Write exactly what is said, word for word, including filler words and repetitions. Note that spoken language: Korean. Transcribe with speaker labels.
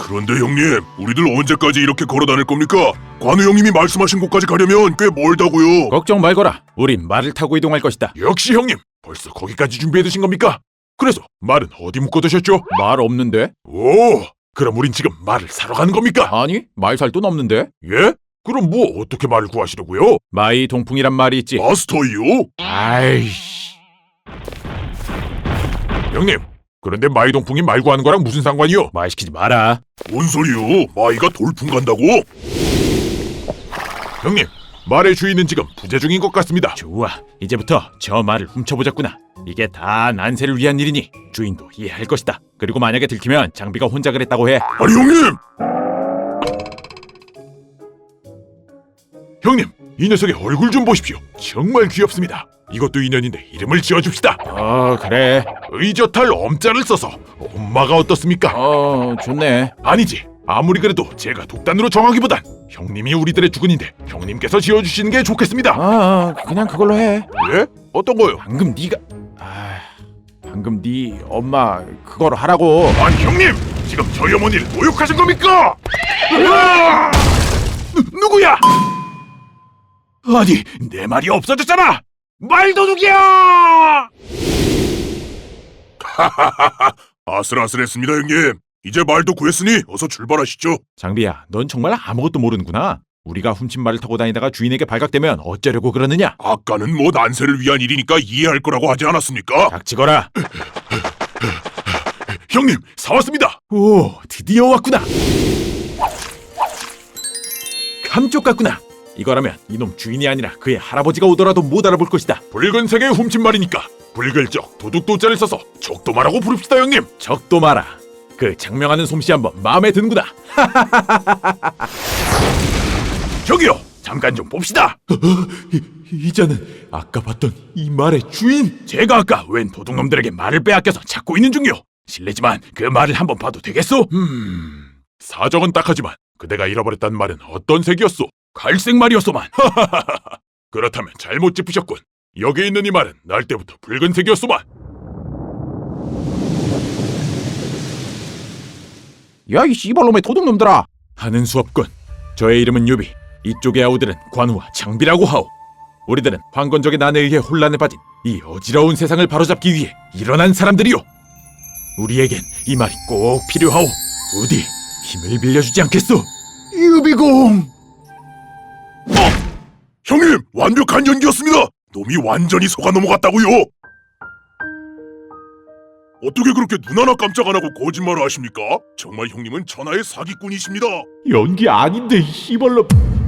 Speaker 1: 그런데 형님, 우리들 언제까지 이렇게 걸어다닐 겁니까? 관우 형님이 말씀하신 곳까지 가려면 꽤 멀다고요.
Speaker 2: 걱정 말거라. 우린 말을 타고 이동할 것이다.
Speaker 1: 역시 형님, 벌써 거기까지 준비해두신 겁니까? 그래서 말은 어디 묶어두셨죠?
Speaker 2: 말 없는데?
Speaker 1: 오, 그럼 우린 지금 말을 사러 가는 겁니까?
Speaker 2: 아니, 말 살 돈 없는데?
Speaker 1: 예? 그럼 뭐 어떻게 말을 구하시려고요?
Speaker 2: 마이 동풍이란 말이 있지.
Speaker 1: 마스터이요?
Speaker 2: 아이씨.
Speaker 1: 형님, 그런데 마이 동풍이 말 구하는 거랑 무슨 상관이요?
Speaker 2: 말 시키지 마라.
Speaker 1: 뭔 소리요? 마이가 돌풍 간다고? 형님, 말의 주인은 지금 부재 중인 것 같습니다.
Speaker 2: 좋아, 이제부터 저 말을 훔쳐보자꾸나. 이게 다 난세를 위한 일이니 주인도 이해할 것이다. 그리고 만약에 들키면 장비가 혼자 그랬다고 해.
Speaker 1: 아니 형님! 형님, 이 녀석의 얼굴 좀 보십시오. 정말 귀엽습니다. 이것도 인연인데 이름을 지어줍시다.
Speaker 2: 어, 그래.
Speaker 1: 의젓할 엄자를 써서 엄마가 어떻습니까?
Speaker 2: 어, 좋네.
Speaker 1: 아니지. 아무리 그래도 제가 독단으로 정하기보단 형님이 우리들의 주군인데 형님께서 지어주시는 게 좋겠습니다.
Speaker 2: 아, 그냥 그걸로 해.
Speaker 1: 예? 어떤 거요?
Speaker 2: 방금 네가 아, 방금 네 엄마 그걸 하라고.
Speaker 1: 아니 형님! 지금 저희 어머니를 모욕하신 겁니까? 으아! 누, 누구야? 아니, 내 말이 없어졌잖아! 말도둑이야! 하하하하, 아슬아슬했습니다 형님. 이제 말도 구했으니 어서 출발하시죠.
Speaker 2: 장비야, 넌 정말 아무것도 모르는구나. 우리가 훔친 말을 타고 다니다가 주인에게 발각되면 어쩌려고 그러느냐?
Speaker 1: 아까는 뭐 난세를 위한 일이니까 이해할 거라고 하지 않았습니까?
Speaker 2: 닥치거라.
Speaker 1: 형님, 사왔습니다.
Speaker 2: 오, 드디어 왔구나. 감쪽 같구나. 이거라면 이놈 주인이 아니라 그의 할아버지가 오더라도 못 알아볼 것이다.
Speaker 1: 붉은색의 훔친 말이니까 붉을적 도둑도자를 써서 적도마라고 부릅시다 형님.
Speaker 2: 적도 마라. 그 장명하는 솜씨 한번 마음에 드는구나.
Speaker 1: 저기요, 잠깐 좀 봅시다.
Speaker 2: 이, 이자는 아까 봤던 이 말의 주인.
Speaker 1: 제가 아까 웬 도둑놈들에게 말을 빼앗겨서 찾고 있는 중이요. 실례지만 그 말을 한번 봐도 되겠소? 음... 사정은 딱하지만 그대가 잃어버렸단 말은 어떤 색이었소? 갈색 말이었소만. 그렇다면 잘못 짚으셨군. 여기 있는 이 말은 날 때부터 붉은색이었소만.
Speaker 2: 야, 이 씨발놈의 도둑놈들아. 하는 수 없군. 저의 이름은 유비. 이쪽의 아우들은 관우와 장비라고 하오. 우리들은 황건적의 난에 의해 혼란에 빠진 이 어지러운 세상을 바로잡기 위해 일어난 사람들이요. 우리에겐 이 말이 꼭 필요하오. 어디 힘을 빌려주지 않겠소? 유비공!
Speaker 1: 어! 형님, 완벽한 연기였습니다. 놈이 완전히 속아 넘어갔다고요. 어떻게 그렇게 눈 하나 깜짝 안 하고 거짓말을 하십니까? 정말 형님은 천하의 사기꾼이십니다.
Speaker 2: 연기 아닌데 이 씨발놈.